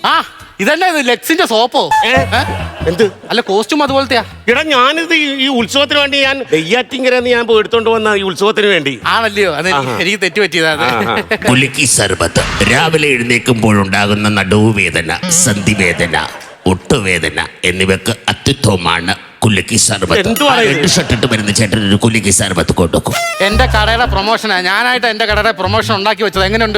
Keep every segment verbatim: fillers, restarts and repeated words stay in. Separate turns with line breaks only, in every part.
ആ ഇതന്നെ ഇത് ലെക്സിന്റെ സോപ്പോ?
എന്ത്
അല്ല കോസ്റ്റ്യൂം അതുപോലത്തെയാ?
എടാ ഞാനിത് ഈ ഉത്സവത്തിന് വേണ്ടി ഞാൻ നെയ്യാറ്റിങ്കരന്ന് ഞാൻ പോയി എടുത്തോണ്ട് വന്ന ഈ ഉത്സവത്തിന് വേണ്ടി
ആണല്ലയോ? അത് എനിക്ക് തെറ്റുപറ്റിയതാണ്.
കുലുക്കി സർബത്ത് രാവിലെ എഴുന്നേൽക്കുമ്പോഴുണ്ടാകുന്ന നടുവുവേദന, സന്ധിവേദന, ഒട്ടുവേദന എന്നിവക്ക് അത്യുത്തമമാണ് കുലുക്കി സർബത്ത്. ഷർട്ടിട്ട് വരുന്ന ചേട്ടൻ ഒരു കുലുക്കി സർബത്ത് കൊടുക്കും.
എന്റെ കടയുടെ പ്രൊമോഷനാ, ഞാനായിട്ട് എന്റെ കടയുടെ പ്രൊമോഷൻ ഉണ്ടാക്കി വെച്ചത്. എങ്ങനെയുണ്ട്?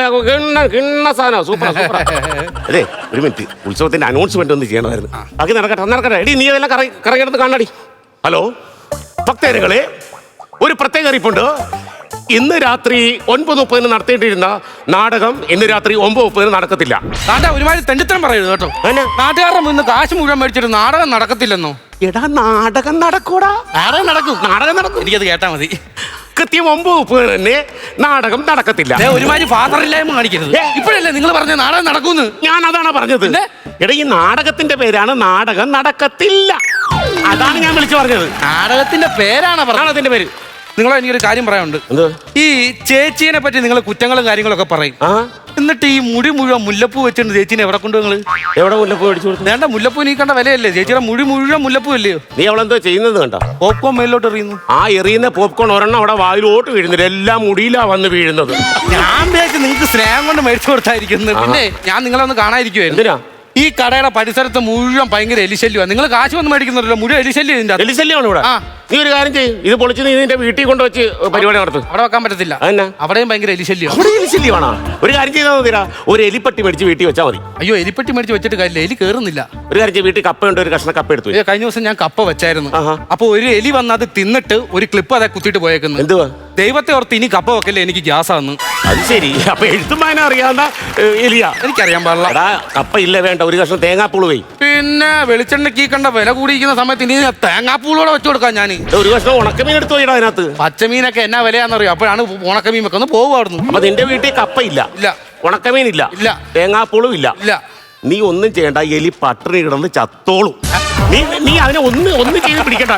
Super super. അതെ ഒരു മിനിറ്റ്, ഉത്സവത്തിന്റെ അനൗൺസ്മെന്റ് ഒന്ന് ചെയ്യണമായിരുന്നു. ബാക്കി നടക്കട്ടെ നടക്കട്ടെ. എടി നീ അതെല്ലാം കറങ്ങിടത്ത് കാണാടി. ഹലോ ഭക്തജനങ്ങളെ, ഒരു പ്രത്യേക അറിയിപ്പുണ്ട്. ഇന്ന് രാത്രി ഒൻപത് മുപ്പതിന് നടത്തേണ്ടിയിരുന്ന നാടകം ഇന്ന് രാത്രി ഒമ്പത് മുപ്പതിന് നടക്കത്തില്ല.
താണ്ട ഒരുമാതിരി തെണ്ടിത്തരം പറയരുത് കേട്ടോ. നാട്ടുകാരുടെ മുന്നിൽ കാശ് മുഴുവൻ മേടിച്ചിട്ട് നാടകം നടക്കത്തില്ലെന്നോ?
എടാ നാടകം നടക്കൂടാ.
നാടകം നടക്കും,
നാടകം നടക്കും.
എനിക്കത് കേട്ടാ മതി.
കൃത്യം ഒമ്പത് മുപ്പതിന് തന്നെ നാടകം നടക്കത്തില്ല.
ഒരുമാതിരി ഫാദറില്ലായ്മ കാണിക്കരുത്. ഇപ്പോഴല്ലേ നിങ്ങൾ പറഞ്ഞ നാടകം നടക്കൂന്ന്?
ഞാൻ അതാണ് പറഞ്ഞത്. എടാ ഈ നാടകത്തിന്റെ പേരാണ് നാടകം നടക്കത്തില്ല. അതാണ് ഞാൻ വിളിച്ചു പറഞ്ഞത്.
നാടകത്തിന്റെ പേരാണ് പറഞ്ഞത്.
അതിന്റെ പേര്.
നിങ്ങളെ എനിക്കൊരു കാര്യം പറയാനുണ്ട്. ഈ ചേച്ചീനെ പറ്റി നിങ്ങൾ കുറ്റങ്ങളും കാര്യങ്ങളൊക്കെ പറയും, എന്നിട്ട് ഈ മുടി മുഴുവൻ മുല്ലപ്പൂ വെച്ചിട്ട് ചേച്ചീനെ എവിടെ കൊണ്ട് നിങ്ങൾ
എവിടെ മുല്ലപ്പൂ മേടിച്ചു കൊടുത്തു?
വേണ്ട, മുല്ലപ്പൂ നീ കണ്ട വിലയല്ലേ? ചേച്ചിയുടെ മുടി മുഴുവൻ മുല്ലപ്പൂ അല്ലയോ?
നീ അവളെന്തോ ചെയ്യുന്നത് കണ്ടോ?
പോപ്കോൺ മേലോട്ട് എറിയുന്നു.
ആ എറിയുന്ന പോപ്കോൺ ഒരെണ്ണം അവിടെ വായിലോട്ട് വീഴുന്നില്ല, എല്ലാം മുടിയിലാ വന്ന് വീഴുന്നത്.
ഞാൻ വിചാരിച്ചു നിങ്ങൾക്ക് സ്നേഹം കൊണ്ട് മേടിച്ചു കൊടുത്തായിരിക്കുന്നു. പിന്നെ ഞാൻ നിങ്ങളെ ഒന്ന് കാണാതിരിക്കുവായിരുന്നു.
എന്തിനാ?
ഈ കടയുടെ പരിസരത്ത് മുഴുവൻ ഭയങ്കര എലിശല്യമാണ്. നിങ്ങൾ കാശ് വന്ന് മേടിക്കുന്നുണ്ടല്ലോ, മുഴുവൻ എലിശല്യം. ഇതിന്റെ
എലിശല്യമാണ് ഇവിടെ. നീ ഒരു കാര്യം ചെയ്യും, ഇത് പൊളിച്ച് നീ നിന്റെ വീട്ടിൽ കൊണ്ടുവച്ച് പരിപാടി നടത്തും.
അവിടെ വെക്കാൻ പറ്റത്തില്ല. അവിടെയും ഭയങ്കര എലിശല്യം.
അവിടെ എലിശല്യമാണോ? ഒരു കാര്യം ചെയ്താൽ മതിരാ, ഒരു എലിപ്പട്ടി മേടിച്ച് വീട്ടിൽ വെച്ചാൽ മതി.
അയ്യോ, എലിപ്പട്ടി മേടിച്ച് വെച്ചിട്ട് കാര്യമില്ല, എലി കയറുന്നില്ല.
ഒരു കാര്യം ചെയ്യും, വീട്ടിൽ കപ്പ ഉണ്ട്, ഒരു കഷ്ണം കപ്പ എടുത്തു.
കഴിഞ്ഞ ദിവസം ഞാൻ കപ്പ വെച്ചായിരുന്നു. അപ്പൊ ഒരു എലി വന്ന് അത് തിന്നിട്ട് ഒരു ക്ലിപ്പ് അതെ കുത്തിയിട്ട് പോയേക്കുന്നു.
എന്തുവാ?
ദൈവത്തെ ഓർത്ത് ഇനി കപ്പ വെക്കല്ലേ, എനിക്ക് ഗ്യാസ് ആന്ന്.
അത് ശരി. അപ്പൊ എഴുത്തും വായന അറിയാവുന്ന എലിയാ?
എനിക്കറിയാൻ പാടില്ല.
കപ്പ ഇല്ല, വേണ്ട, ഒരു കഷ്ണം തേങ്ങാപ്പൂള് പോയി.
പിന്നെ വെളിച്ചെണ്ണയ്ക്ക് കണ്ട വില കൂടിയിരിക്കുന്ന സമയത്ത് ഇനി തേങ്ങാപ്പൂളോടെ വെച്ചു കൊടുക്കാം ഞാൻ.
ഒരു കഷ്ണം ഉണക്കമീൻ എടുത്തു പോയിടാ അതിനകത്ത്.
പച്ചമീനൊക്കെ എന്നാ വിലയാണെന്നറിയോ? അപ്പോഴാണ് ഉണക്കമീൻ വെക്കുന്നു പോകുമായിരുന്നു.
അപ്പൊ നിന്റെ വീട്ടിൽ കപ്പ ഇല്ല, ഇല്ല, ഉണക്കമീൻ ഇല്ല, ഇല്ല, തേങ്ങാപ്പൂളും ഇല്ല, ഇല്ല. നീ ഒന്നും ചെയ്യണ്ട, എലി പട്ടിണി കിടന്ന് ചത്തോളും. നീ നീ അതിനെ ഒന്ന് ഒന്ന് ചെയ്ത് പിടിക്കണ്ട.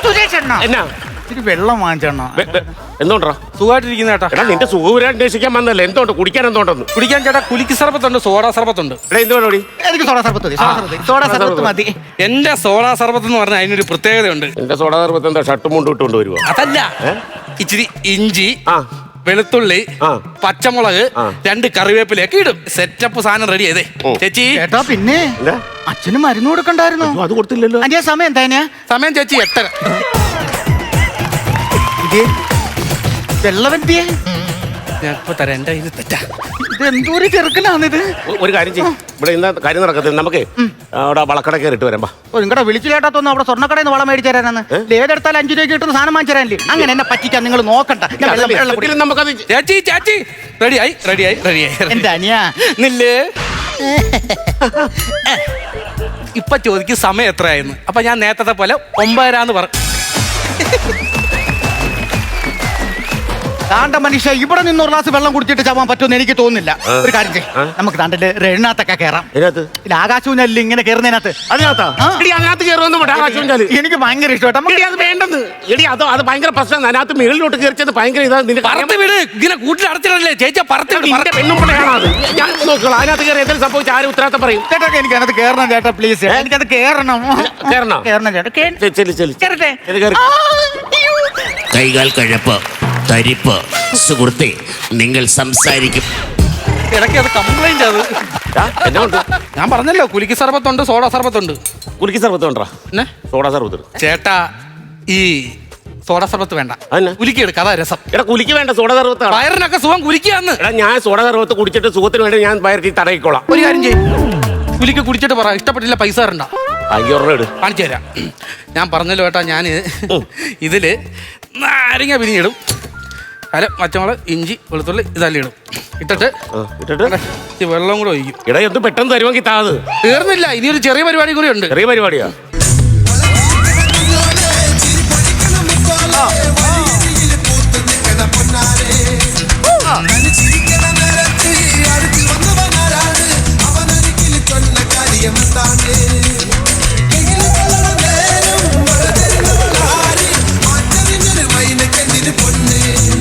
എന്നാ
വെള്ളം വാങ്ങിച്ചെണ്ണ
എന്തോണ്ടാ?
സുഖമായിട്ടിരിക്കുന്ന ചേട്ടാ.
എടാ നിന്റെ സുഖം അന്വേഷിക്കാൻ വന്നല്ലേ? എന്തോണ്ട് കുടിക്കാൻ? എന്തോണ്ടെന്ന് കുടിക്കാൻ
ചേട്ടാ? കുലിക്ക് സർബത്തുണ്ട്, സോഡാ സർബത്തുണ്ട്.
എന്തുകൊണ്ടോടി?
എനിക്ക് സോഡാ സർബത്ത് സോഡാ സർബത്ത് മതി.
എന്റെ സോഡാ സർബത്ത് എന്ന് പറഞ്ഞാൽ അതിനൊരു പ്രത്യേകതയുണ്ട്.
എന്റെ സോഡാ സർബത്ത് എന്താ ഷർട്ടും മുണ്ടും ഇട്ടുകൊണ്ട് വരുവോ?
അതല്ല, ഇച്ചിരി ഇഞ്ചി, വെളുത്തുള്ളി, പച്ചമുളക്, രണ്ട് കറിവേപ്പിലൊക്കെ ഇടും. സെറ്റപ്പ് സാധനം റെഡി ചെയ്തേ ചേച്ചി.
ചേട്ടാ പിന്നെ അച്ഛന് മരുന്ന് കൊടുക്കണ്ടായിരുന്നു?
അത് കൊടുത്തില്ലല്ലോ.
അതിന്റെ സമയം എന്താ?
സമയം ചേച്ചി എട്ടര.
വെള്ളവെന്തിയെ
ഞാൻ ഇപ്പൊ തരാം. എന്റെ ഇത് തെറ്റാ.
ഇത് എന്തോരു ചെറുക്കനാണിത്.
ഒരു കാര്യം ചെയ്യും, ഇവിടെ ഇന്ന് കാര്യം നടക്കത്തില്ല, നമുക്ക് അവിടെ വളക്കട കയറിട്ട് വരാം.
ഓ നിങ്ങളുടെ വിളിച്ചു കേട്ടാത്തൊന്നും അവിടെ സ്വർണ്ണക്കടയിൽ നിന്ന് വളം മേടിച്ചു തരാനാണ്. ഏതെടുത്താൽ അഞ്ചു രൂപ കിട്ടുന്ന സാധനം വാങ്ങിച്ചു തരാനില്ലേ? അങ്ങനെ എന്നെ പറ്റിക്കാൻ നിങ്ങൾ നോക്കണ്ട.
നമുക്കത്
ചേച്ചി ചേച്ചി റെഡിയായി റെഡിയായി റെഡിയായി.
എന്റെ അനിയാ
നില്ലേ ഇപ്പൊ ചോദിക്കും സമയം എത്രയായിരുന്നു. അപ്പൊ ഞാൻ നേരത്തെ പോലെ ഒമ്പതരാന്ന് പറ.
താണ്ട മനുഷ്യ, ഇവിടെ നിന്ന് ഒരു ഗ്ലാസ് വെള്ളം കുടിച്ചിട്ട് ചാവാൻ പറ്റുമെന്ന് എനിക്ക് തോന്നുന്നില്ല. ഒരു കാര്യം ചെയ്യും, നമുക്ക് താണ്ടല്ലേ റെണ്ണാത്തൊക്കെ കയറാം. ആകാശവും അല്ല ഇങ്ങനെ കയറുന്നതിനകത്ത്.
അതിനകത്ത് കയറുമെന്ന്
എനിക്ക് ഭയങ്കര ഇഷ്ടമായിട്ട്.
അത് വേണ്ടെന്ന് എടി, അത് അത് ഭയങ്കര പ്രശ്നം. അതിനകത്ത് മേളിലോട്ട് കയറിച്ചത് ഭയങ്കര ഇതാ.
ഇങ്ങനെ കൂട്ടിൽ അടച്ചിടല്ലേ ചേച്ചി?
പെണ്ണുമ്പോഴാണ് അത്. ഞാൻ നോക്കണം, അതിനകത്ത് കയറി എന്തെങ്കിലും സംഭവിച്ച ആരും ഉത്തരവാദിത്തം പറയും.
ചേട്ടാ എനിക്ക് അതിനകത്ത് കയറണം ചേട്ടാ, പ്ലീസ്. എനിക്കത് കയറണം
കയറണം
കയറണം ചേട്ടാ.
കയറട്ടെ.
കൈകാൽ കഴപ്പ്, തരിപ്പ്, സുഹൃത്തെ നിങ്ങൾ സംസാരിക്കും.
ഇടയ്ക്ക് അത് കംപ്ലൈന്റ്. അത് ഞാൻ പറഞ്ഞല്ലോ, കുലിക്ക് സർബത്തുണ്ട്, സോഡാ സർബത്തുണ്ട്.
കുലിക്ക് സർബത്ത് വേണ്ട, സോഡാ സർബത്ത്.
ചേട്ടാ ഈ സോഡാ സർബത്ത് വേണ്ട, കുലിക്ക് എടുക്ക, അതാ രസം.
എടാ കുലിക്ക് വേണ്ട, സോഡാ സർബത്ത്.
വയറിനൊക്കെ സുഖം കുലിക്കാന്ന്.
എടാ ഞാൻ സോഡാ സർബത്ത് കുടിച്ചിട്ട് സുഖത്തിന് വേണ്ടി ഞാൻ വയറ്റി തടയിക്കോളാം.
ഒരു കാര്യം ചെയ്യും, കുലിക്ക് കുടിച്ചിട്ട് പറ, ഇഷ്ടപ്പെട്ടില്ല പൈസ തരണ്ട. കാണിച്ചു തരാം. ഞാൻ പറഞ്ഞല്ലോ ചേട്ടാ, ഞാൻ ഇതില് നാരങ്ങ പിരിഞ്ഞിടും, അല്ല പച്ചമുളക്, ഇഞ്ചി, വെളുത്തുള്ളി ഇതെല്ലാം ഇടും. ഇട്ടിട്ട് ഇട്ടിട്ട് വെള്ളം കൂടെ ഒഴിക്കും.
ഇടാ എന്ത് പെട്ടെന്ന് തരുമെങ്കിൽ താത്
തീർന്നില്ല, ഇനിയൊരു ചെറിയ പരിപാടി കൂടി ഉണ്ട്.
ചെറിയ പരിപാടിയാ?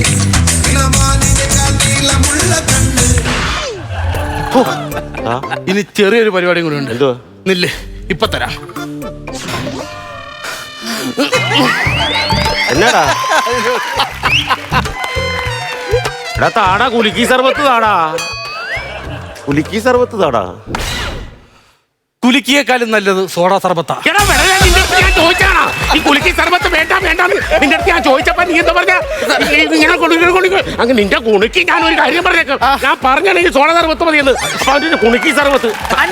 ഇനി ഇനി ചെറിയൊരു പരിപാടിയും കൂടെ ഉണ്ട്.
എന്തുവാ?
നില്ല്, ഇപ്പൊ തരാം.
എന്നാടാ എടാ താടാ കുലുക്കി സർബത്ത് താടാ കുലുക്കി സർബത്ത് താടാ.
കുലുക്കിയേക്കാളും നല്ലത് സോഡാ സർബത്താ.
എടാ വെറുതെ നിന്റെ അടുത്ത് ഞാൻ ചോദിച്ചാണോ ഈ കുലുക്കി സർബത്ത് വേണ്ട വേണ്ടാന്ന് നിന്റെ അടുത്ത് ഞാൻ ചോദിച്ചപ്പോ നീ എന്താ പറഞ്ഞ ഞാൻ കുണുക്കി കുണിക്ക് അങ്ങ് നിന്റെ കുണുക്കി ഞാൻ ഒരു കാര്യം പറഞ്ഞേക്കാം. ഞാൻ പറഞ്ഞാണ് ഈ സോഡ സർബത്ത് മതിയെന്ന്. അപ്പൊ അതിന്റെ കുണുക്കി സർബത്ത്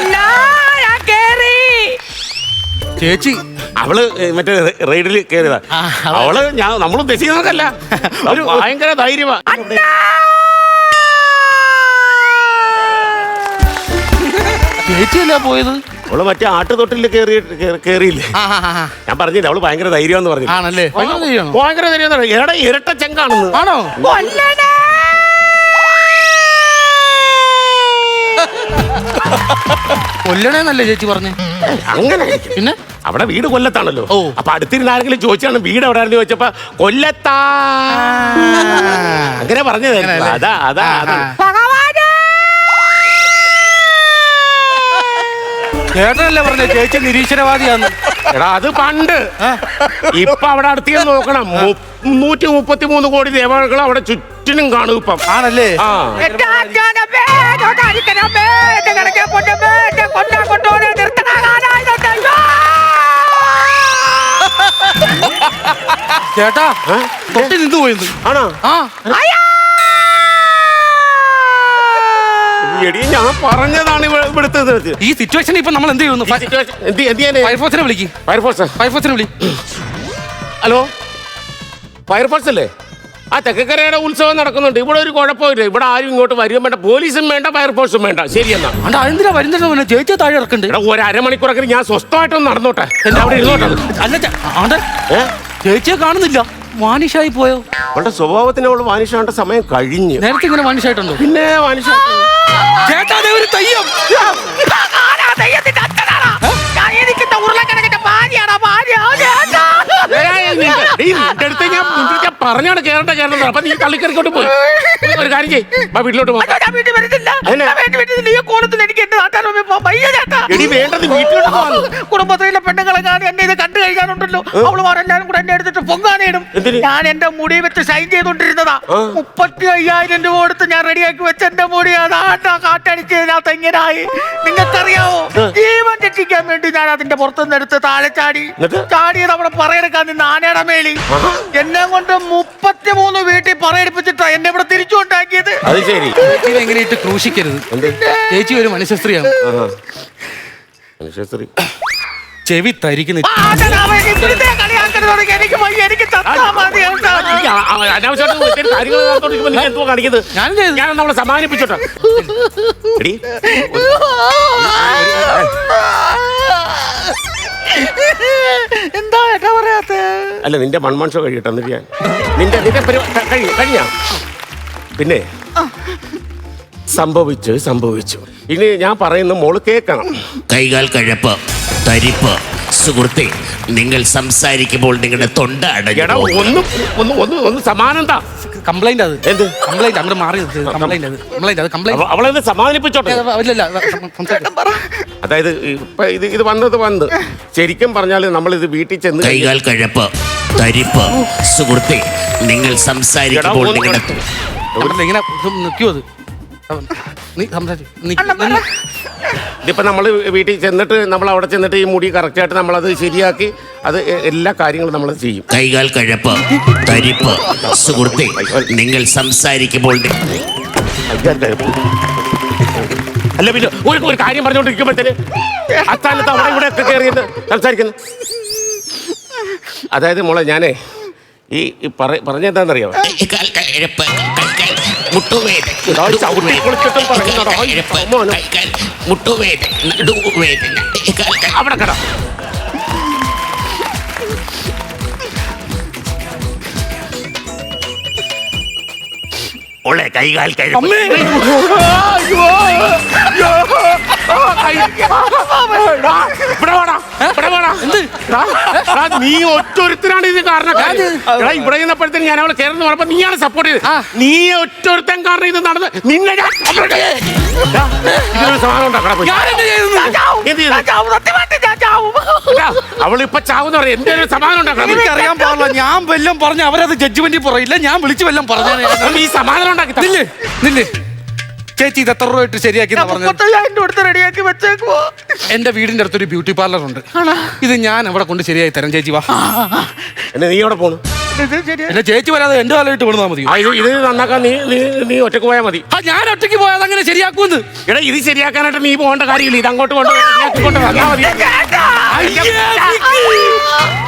ചേച്ചി
അവള് മറ്റേ റൈഡിൽ കയറിയതാ. അവള് ഞാൻ നമ്മൾ ഉദ്ദേശിക്കുന്നതല്ല. ഒരു ഭയങ്കര ധൈര്യമാ.
ചേച്ചിയല്ല പോയത്.
അവള് മറ്റേ ആട്ടുതൊട്ടിൽ കയറി കയറിയില്ലേ. ഞാൻ പറഞ്ഞില്ല അവള് ഭയങ്കര ധൈര്യമാന്ന് പറഞ്ഞു.
ആണല്ലേ?
ഭയങ്കര ധൈര്യം. എടാ ഇരട്ട ചെങ്കാണെന്ന്.
ആണോ? കൊല്ലണേന്നല്ലേ ചേച്ചി പറഞ്ഞു?
അങ്ങനെ
പിന്നെ
അവിടെ വീട് കൊല്ലത്താണല്ലോ.
ഓ.
അപ്പൊ അടുത്തിരുന്ന ആരെങ്കിലും ചോദിച്ചാണ് വീട് എവിടെ ആയിരുന്നു ചോദിച്ചപ്പോ കൊല്ലത്താ അങ്ങനെ പറഞ്ഞത്. അതാ അതാ അതാ
ചേട്ടനല്ലേ പറഞ്ഞ ചേച്ചി നിരീശ്വരവാദിയാന്ന്?
എടാ അത് പണ്ട്. ഇപ്പൊ അവിടെ അടുത്ത് നോക്കണം. നൂറ്റി മുപ്പത്തി മൂന്ന് കോടി ദേവകൾ അവിടെ ചുറ്റിനും കാണും ഇപ്പം.
ആണല്ലേ?
ആ
ചേട്ടാ തൊട്ടി നിന്ന് പോയത്
ആണോ?
ആ
എടി ഞാൻ പറഞ്ഞതാണ് ഇവിടുത്തെ
ഈ സിറ്റുവേഷൻ ഇപ്പൊ നമ്മൾ എന്ത് ചെയ്യുന്നു? ഫയർഫോഴ്സിനെ വിളിക്കും.
ഫയർഫോഴ്സ്
ഫയർഫോഴ്സിനെ വിളി.
ഹലോ ഫയർഫോഴ്സ് അല്ലേ? ആ തെക്കക്കരയുടെ ഉത്സവം നടക്കുന്നുണ്ട്. ഇവിടെ ഒരു കുഴപ്പമില്ല. ഇവിടെ ആരും ഇങ്ങോട്ട് വരികയും വേണ്ട, പോലീസും വേണ്ട, ഫയർഫോഴ്സും വേണ്ട. ശരിയെന്നാ.
അണ്ടാ എന്തിനാ വരുന്നുണ്ടോ? ചേച്ചി താഴെ ഇറക്കണ്ട്.
എടാ ഒരു അരമണിക്കൂറൊക്കെ ഞാൻ സ്വസ്ഥമായിട്ടൊന്ന് നടന്നോട്ടെ. എന്റെ അവിടെ ഇരുന്നോട്ടെ.
അല്ല ആണ്ടെ ചേച്ചിയെ കാണുന്നില്ല. വാനിഷായി പോയോ?
അവളുടെ സ്വഭാവത്തിന് അവള് വാനിഷാണ്ട സമയം കഴിഞ്ഞു.
നേരത്തെ ഇങ്ങനെ വാനിഷായിട്ടുണ്ടോ?
പിന്നെ വാനിഷ
ചേട്ടാ അതേ ഒരു തെയ്യം.
ഞാൻ പറഞ്ഞാണ് കേരള കേരളം. അപ്പൊ നീ തള്ളിക്കറിക്കോട്ട് പോയി. ഒരു കാര്യം ചെയ്യ്, വീട്ടിലോട്ട് പോ.
കുടുംബത്തിലെ പെണ്ണുങ്ങളെ ഞാൻ എന്നെ ഇത് കണ്ടു കഴിക്കാനുണ്ടല്ലോ. അവളുമാരെല്ലാരും കൂടെ എന്നെ എടുത്തിട്ട് പൊങ്ങാനേടും. ഞാൻ എന്റെ മുടി വെച്ച് ഷൈൻ ചെയ്തോണ്ടിരുന്നതാ. മുപ്പത്തി അയ്യായിരം രൂപ കൊടുത്ത് ഞാൻ റെഡിയാക്കി വെച്ച എന്റെ മുടി അതാണ്ടാ കാറ്റടിച്ചതിനകത്ത് എങ്ങനെയായി നിങ്ങൾക്കറിയാവോ? ജീവൻ രക്ഷിക്കാൻ വേണ്ടി ഞാൻ അതിന്റെ പുറത്തുനിന്ന് എടുത്ത് താഴെ ചാടി ചാടിയത് അവിടെ പറയെടുക്കാൻ നിന്ന് ആനയുടെ മേളി എന്നെ കൊണ്ട് മുപ്പത്തിമൂന്ന് വീട്ടിൽ പറയെടുപ്പിച്ചിട്ടാ എന്നെ ഇവിടെ തിരിച്ചു കൊണ്ടാക്കിയത്.
അത് ശരി.
എങ്ങനെയിട്ട് ക്രൂശിക്കരുത്. ചേച്ചി ഒരു മനുഷ്യസ്ത്രീയാണ്.
മനുഷ്യസ്ത്രീ
ചെവി തരിക്കുന്ന
ഞാൻ നമ്മളെ സമാധാനിപ്പിച്ചോട്ടെ.
എന്താ ഏട്ടാ പറയാത്ത?
അല്ല നിന്റെ മൺമൺ ഷോ കഴിയട്ടെ. എന്നിട്ട് ഞാൻ നിന്റെ നിന്റെ കഴി കഴിഞ്ഞ പിന്നെ സംഭവിച്ചു സംഭവിച്ചു. ഇനി ഞാൻ പറയുന്ന മോള് കേൾക്കണം.
കൈകാൽ കഴപ്പ്, തരിപ്പ്. സുഹൃത്തെ, നിങ്ങൾ സംസാരിക്കുമ്പോൾ നിങ്ങളുടെ തൊണ്ട
എടാ
അടഞ്ഞു.
ഒന്ന് ഒന്ന് ഒന്ന് ഒന്ന് സമാനന്താ.
കംപ്ലൈന്റ് അത്
എന്ത്
കംപ്ലൈന്റ്? അങ്ങോട്ട് മാറി കംപ്ലൈന്റ് അത് കംപ്ലൈന്റ് അത് കംപ്ലൈന്റ്.
അവളെ സമാധാനിപ്പിച്ചോട്ടെ. അതായത് ഇപ്പൊ ഇത് ഇത് വന്നത് വന്ന് ശരിക്കും പറഞ്ഞാൽ നമ്മൾ ഇത് വീട്ടിൽ ചെന്ന്
കൈകാൽ കഴപ്പ്, തരിപ്പ്. സുഹൃത്തെ, നിങ്ങൾ സംസാരിക്കുമ്പോൾ നിങ്ങളുടെ
ഇങ്ങനെ നിൽക്കുമോ? അത് നീ സംസാരിച്ചു.
ഇതിപ്പോ നമ്മൾ വീട്ടിൽ ചെന്നിട്ട് നമ്മൾ അവിടെ ചെന്നിട്ട് ഈ മുടി കറക്റ്റായിട്ട് നമ്മളത് ശരിയാക്കി അത് എല്ലാ കാര്യങ്ങളും നമ്മൾ ചെയ്യും.
കൈകാൽ കഴപ്പ്, തരിപ്പ്. സുഹൃത്തെ, നിങ്ങൾ സംസാരിക്കുമ്പോൾ
അല്ല പിന്നെ ഒരു ഒരു കാര്യം പറഞ്ഞുകൊണ്ടിരിക്കുമ്പോഴത്തേന് അസ്ഥാനത്ത് അവിടെ ഇവിടെ ഒക്കെ കയറിയത് സംസാരിക്കുന്നു. അതായത് മോളെ ഞാനേ ഈ പറഞ്ഞെന്താണെന്നറിയാമോ? അവിടെ കട
ഉള്ളേ കൈകാൽ കഴപ്പ്.
ഇവിടെ വേണം ഇവിടെ വേണം എന്ത് എടാ, നീ ഒറ്റൊരുത്തനാണ് ഇത് കാരണം എടാ ഇവിടെ നിന്നപ്പോഴത്തേന് ഞാൻ അവളെ ചേർന്ന് പറഞ്ഞപ്പോ നീയാണ് സപ്പോർട്ട് ചെയ്തത്. നീ ഒറ്റൊരുത്തൻ കാരണം ഇത് നടന്ന് നിന്നെ ഞാൻ എടാ, ഇതിനൊരു സമാധാനം ഉണ്ടാക്കണം പോയി.
ഞാനെന്ത് ചെയ്തു?
എന്ത് ചെയ്തു?
ഞാൻ ചാവും, സത്യമായിട്ട് ഞാൻ ചാവും.
എടാ, അവളിപ്പൊ ചാവുന്ന പറയാം എന്റെ ഒരു സമാധാനം ഉണ്ടാക്കണം പോയി.
എനിക്കറിയാൻ പാടില്ല. ഞാൻ വല്ലതും പറഞ്ഞ അവരത് ജഡ്ജ്മെന്റിൽ പറയില്ല. ഞാൻ വിളിച്ചു വല്ലതും പറഞ്ഞേ.
നീ സമാധാനം ഉണ്ടാക്കി തരാം.
നില്ല് നില്ല്. ചേച്ചി ഇത് എത്ര രൂപ ഇട്ട് ശരിയാക്കി
ഞാൻ
പറഞ്ഞു?
മുപ്പത്തയ്യായിരം രൂപ കൊടുത്ത് റെഡിയാക്കി വെച്ചേക്കുവോ.
എന്റെ വീടിന്റെ അടുത്തൊരു ബ്യൂട്ടി പാർലർ ഉണ്ട്. ഇത് ഞാൻ അവിടെ കൊണ്ട് ശരിയായി തരാം. ചേച്ചി വാ.
എന്നെ നീ എവിടെ പോണു?
ഇത് ശരിയാ.
എന്റെ ചേച്ചി വരാതെ എന്റെ കാലമായിട്ട് വിടുന്നാ മതി.
ആ, ഇത് ഇത് നന്നാക്കാൻ നീ നീ നീ ഒറ്റക്ക് പോയാൽ മതി.
ആ ഞാൻ ഒറ്റയ്ക്ക് പോയാൽ അങ്ങനെ ശരിയാക്കൂന്ന്.
എടാ ഇത് ശരിയാക്കാനായിട്ട് നീ പോകേണ്ട കാര്യമില്ല. ഇത് അങ്ങോട്ട് കൊണ്ട് ശരിയാക്കി കൊണ്ട് വന്നാൽ മതി.
അയ്യേ, നിക്ക്.